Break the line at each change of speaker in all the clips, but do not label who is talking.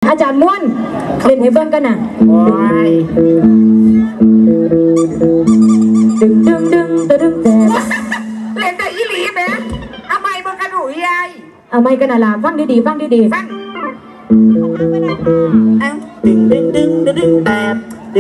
อาจารย์ม้วนเล่นให้เบิ้งกันน่ะดึง
เล่นได้อีหลีไหมเอาไม้มึงกันหนูยาย
เอาไม้กันน่ะล่ะฟังดีฟัง
ดึงแบบ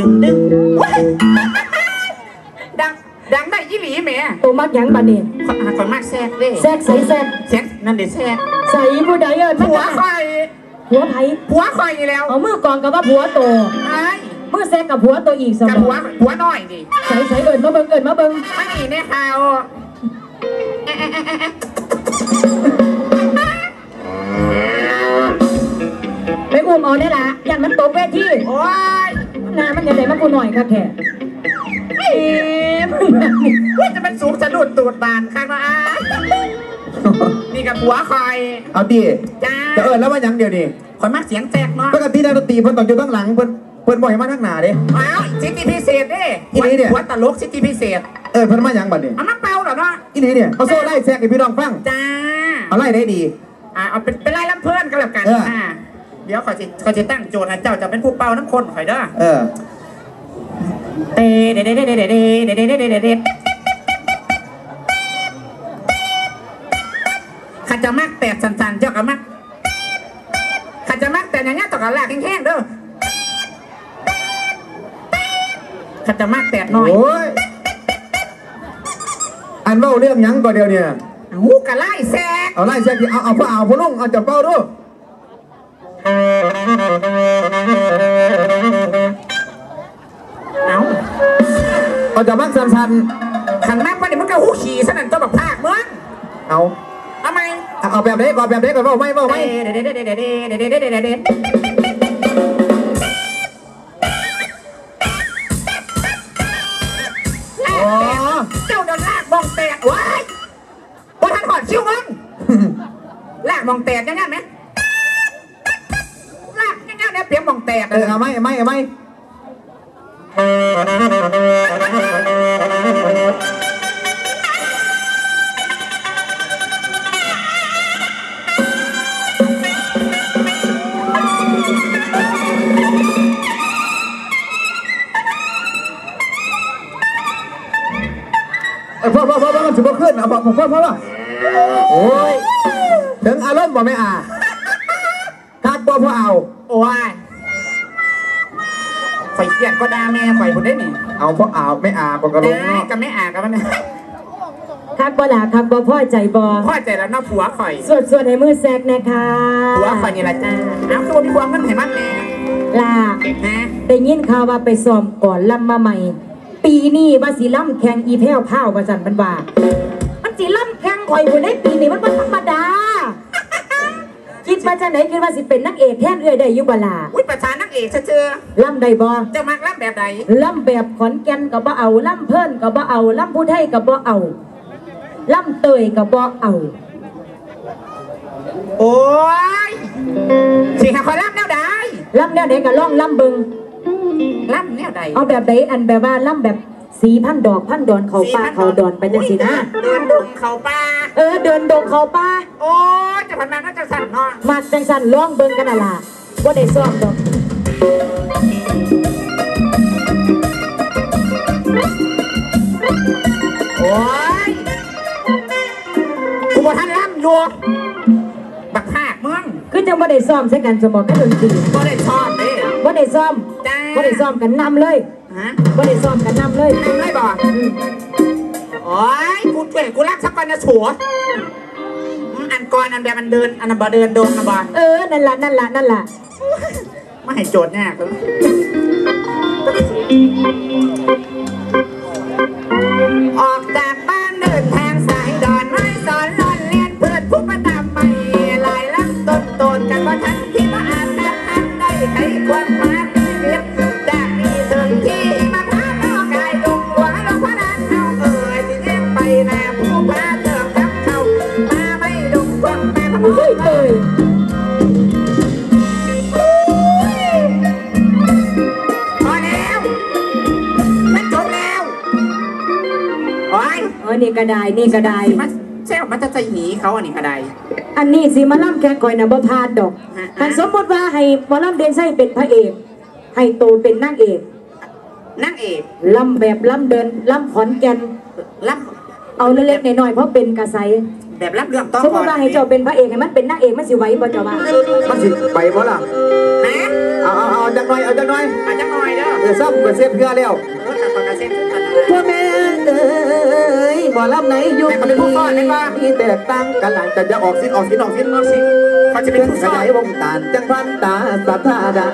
ดังได้อีหลีไหม
ตัวมักยังบัดนี้
คนมากแซกเด้
แซก
นั่นเด็ดแซก
ใส่ผู้ใด
ผัวคอย
ผัวไผ่
ผัวคอยแล้ว
เอามือกองกับว่าผัวโตมือแซกกับผัวโตอีกสม
องผัวน้อยดิ
ใส่เอิญมาเบิ้ง
ไม่มีแน่ข่าว
ไปอุ้มเอาได้ละอย่างมันตกเวที
โอ้ย
งานมันยังไงมันกูหน่อยค่ะแค่
ว่าจะเป็นสูงสะดุดตูดบานข้างมานี่กับผัวคอย
เอาดิจ้าจะแล้วว่ายังเดียวดิ
คอยมักเสียงแตกเนาะ
ปกตินักดนตรีเพิ่นต้องอยู่ตั้งหลังเพิ่นบ่อยมาทั้งหน้าเด้
อ้าวสิทธิพิเศษเด้
อีนี้เนี่ย
หัวตลกสิทธิพิเศษ
เพิ่นมายังบัดนี้
เอามาเป่าเหรอเนาะ
อีนี้เนี่ยเอาโซ่ไล่แซกให้พี่น้องฟัง
จ้า
เอาไล่ได้ดี
เอาเป็นไล่ลำเพื่อนกันแล้วกันเดี๋ยวเขาจะตั้งโจทย์นะเจ้าจะเป็นผู้เป่าน้ำข้นข่อยเด้อเด็ดข้าจะมักแตกสันๆเจ้าก็มักข้าจะมักแต่อย่างเงี้ยต่อกันแหลกแห้งๆเด้อข้าจะมักแตกน้อย
อันเบ้าเรื่องยังก่อนเดียวเนี่ย
หูกะไล่แซก
เอาไล่แซกเอาพ่อลุงเอาจับเป้าดูเอาจับมักสัน
ขันมากกว่านี้มันก็หูขี่สนั่นเจ้าแบบภาคมึง
เอา
ทำไม
เอาแบบนี้ก่อนเบ้าไม่
เจ้าเดินลากมองแตกว้ายพอท่านหอดชิวมึงลากมองแตกยังไงไหมลากยังไงเนี่ยเปียกมองแตก
เอาไหมพ่อมันถือว่าขึ้นเอาพ่อโอ้ยถึงอารมณ์บ่ไม่คักพ่อเอา
โอ้ยข่อยเกลียดก็ด่าแม่ข่อยคนได้หนิ
เอาพ่อไม่ปกติ
กับไม่กันมัน
คักบ่ล่ะคักบ่พ่อใจบ่
พ่อใจแล้วน้าผัวข่อย
ส่วนในมือแซกนะคะ
ผัวข่อยนี่แหละจ้าเอาตัวมีความมันเห็นมันแน่
ล่ะได้ยินข่าวว่าไปซ้อมก่อนลำมาใหม่ปีนี้ว่าสีล่ำแข่งอีแพ้วผ้าประจันมันว่ามันสีล่ำแข่งข่อยอยู่ในปีนี้มันธรรมดาคิดมาจากไหนคิดว่าสิเป็นนักเอกแท่นได้ยุบลา
อุ้ยประธานนักเอกเชื่อ
ล่ำได้บ่
จะมักล่ำแบบใด
ล่ำแบบขอนแก่นกับบ่เอาล่ำเพิ่นกับบ่เอาล่ำผู้ไทยกับบ่เอาล่ำเตยกับบ่เอา
โอ้ยสิหาคอยล่ำแนวใด
ก็ล่องล่ำบึง
ล่ำแนวใด
เอาแบบใดอันแบบว่าล่ำแบบสีพันดอกพันดอนเขาป่าเขาดอนไปจังสินะ
เดินดงเขาป่า
เดินดงเขาป่า
โอ้จะพันมาก็จะสั่นเนาะ
มาจังสั่นล่องเบิ่งกันน่ะล่ะว่าได้ซ้อมดอก
โอ้ยกูบอกท่านล่ำอยู่บักภาคมึง
คือจังว่าได้ซ้อมใช้กันสมองกันดนตรี
ว่าได้ซ้อมเลย
ว่าได้ซ้อมกันนำเลยว่าได้ซ้อมกันนำเลย
บอกโอ้ยกูเก่งกูรักสักวันนะฉัวอันก่อนอันแบบมันเดินอันนั้นบ่เดินโดนนะบ่
นั่นล่ะ
ไม่ให้โจทย์ยากเลยออกจากบ้านเดินทางสายดอนไม้สอนลอนเลียนเพื่อนผู้ประดับไปลายลักต้นกันว่าทันที่ว่าอาจจะทันได้ใครควรมาเรียบจากมีถึงที่มาพาน้องกายดงหัวลงพนันเอาที่เล่นไปแน่ผู้พาเติมทับเขามาไม่ดงควงแม่พะมุ้ยเลยพอแล้วมันจบแล้วโอ้ย
นี่ก็ได้
สแซ่บมันจะใจหีเขาอันนี้ก็ได้
อันนี้สิมาล่ำแข่งข่อยนะบ่พลาดดอกคันสมมติว่าให้หมอล่ำเดนไส้เป็นพระเอกให้โตเป็นนางเอก
นางเอก
ล่ำแบบล่ำเดินล่ำขอนแก่น
รับ
เอาเล็กๆน้อยๆเพราะเป็นกระไส
แบบรับเรื่องต้อง
สมมติว่าให้เจ้าเป็นพระเอกให้มันเป็นนางเอกมันสิไหวบ่เจ้าว่า
มันสิไปบ่ล่ะ
ฮะ
เอาจังหน่อยเอาจังหน่อย
อาจจะหน่อยเด้อ
เดี๋ยวซ้ำไปเสียเพื่อแล้ว
แต่ปากกาเซ็นกัน
พ่อแม่เอ้ยบ่ลำไหนยุคนี้มีแตกต่างกันหลายแต่จะออกสิ้นเขาจะเป็นผู้ชายวงตาลจังพันตาสัทธาได้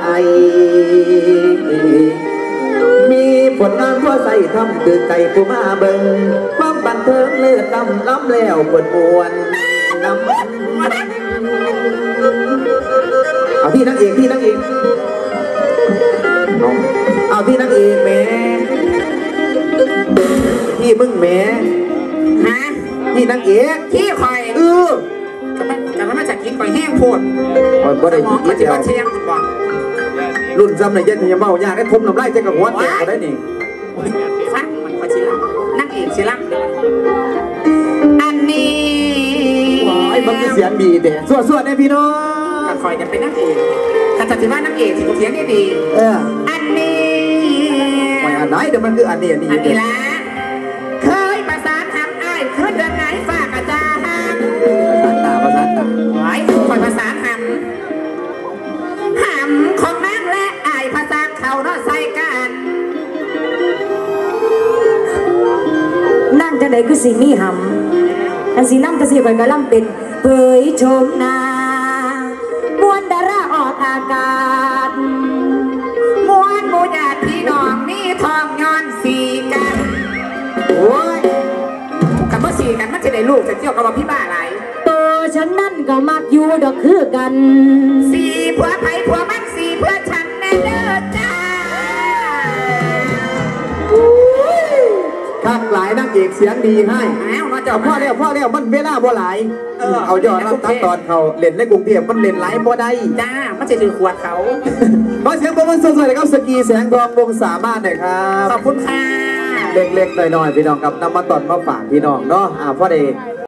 มีผลงานทั่วใส่ทำคือไก่ผู้มาเบิ่งความบันเทิงเลือดล้ำแล้วปวดปวนน้ำเอาที่นักเอกเอาที่นักเอกแม่ที่มึงแม่
ฮะ
ที่นักเอก
ที่คอย จะมาจากกินคอยแห้งโพด
บ่ได้
มอง
กิ
มัน
น
จะ
เดียว
มาเชียงคุณบอก
รุ่นซ้ำในเย็นยังเมายากได้ทมน้ำลายใจกับหัวเจ็บก็ได้นี่
ฟังมันคอยชิลังนั่งเอกชิลังอันนี้
ไอ้มันมีเสียงดีเด้สวดๆเนี่ยพี่น้อง
ก็คอยกันเป็นนั่งเอกกันจะถือว่านั่งเอกที่กูเสียงนี่ดี อันนี้
ไม่อันไหนเดี๋ยวมันคืออันนี้
อันนี้ละเคยประสานหำอ้ายขึ้นเดินไหนฝากอาจารย์
ภาษาตา
ไว้คอยประสานหำของนางและอ้ายภาษาเขาเนาะใส่กัน
นั่งจังไดคือสิมีหำอันสิล่ำก็สิข่อยก็ล่ำเป็นเผยชมหน้ามวนดาราออกอากาศ
มวนหมูญาติพี่น้องมีทองย้อนสีกัน
โอ้ย
กับเมื่อสีกันมันจะได้ลูกจะเที่ยวกับว่าพี่บ้าอะไร
ตัวฉันนั่นก็มักอยู่ดอกคือกัน
สีผัวไผ่ผัวมันสีเพื่อฉันแน่เด้อจ้า
ข้างหลายนักเอกเสียงดีให้
อ้าวมาเจ้า
พ่อแล้วมันเวลาบ่หลายเอายอดรับตัดตอนเขาเล่นในกรุงเทพมันเล่นหลายบ่ได้
จ้ามันจะถือขวดเขา
ขอเสียงปรบมือสดๆเลยครับสกีแสงทองวงสามารถหน่อยครับ
ขอบคุณค่ะ
เล็กๆหน่อยๆพี่น้องครับนำมาตอนมาฝากพี่น้องเนาะพ่อเด